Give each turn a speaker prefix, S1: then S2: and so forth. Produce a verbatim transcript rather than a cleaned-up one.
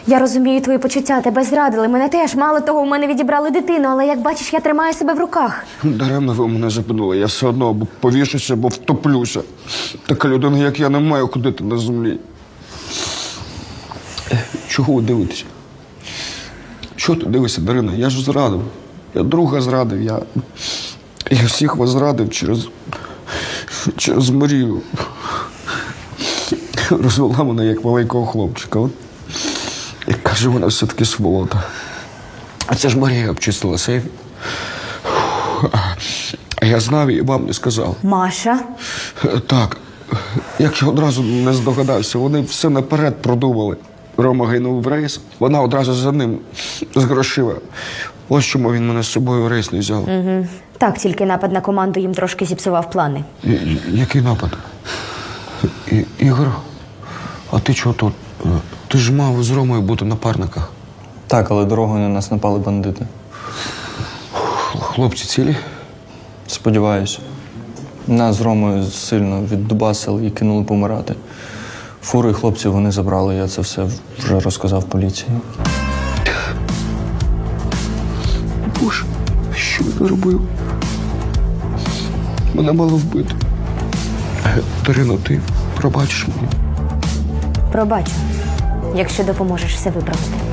S1: Я розумію твої почуття, тебе зрадили, мене теж. Мало того, у мене відібрали дитину, але, як бачиш, я тримаю себе в руках.
S2: Даремно ви мене запитали, я все одно або повішуся, або втоплюся. Така людина, як я, не має ходити на землі. Е, Чого ви дивитеся? Чого ти дивишся, Дарина? Я ж зрадив. Я друга зрадив, я... Я всіх вас зрадив через... через Марію. Розвела мене як маленького хлопчика. От. І каже, вона все-таки сволота. А це ж Марія обчистила сейф. А я знав і вам не сказав.
S1: Маша?
S2: Так. Як я одразу не здогадався, вони все наперед продумали. Рома гинув в рейс, вона одразу за ним з грошима. Ось чому він мене з собою в рейс не взяв.
S1: Угу. Так, тільки напад на команду їм трошки зіпсував плани.
S2: І- і- Який напад? І- Ігор, а ти чого тут? Ти ж мав з Ромою бути на парниках.
S3: Так, але дорогою на нас напали бандити.
S2: Хлопці цілі?
S3: Сподіваюся. Нас з Ромою сильно віддубасили і кинули помирати. Фуру і хлопців вони забрали, я це все вже розказав поліції.
S2: Боже, що я робив? Мене мало вбити. Дарина, ти пробачиш мені?
S1: Пробачу, якщо допоможеш все виправити.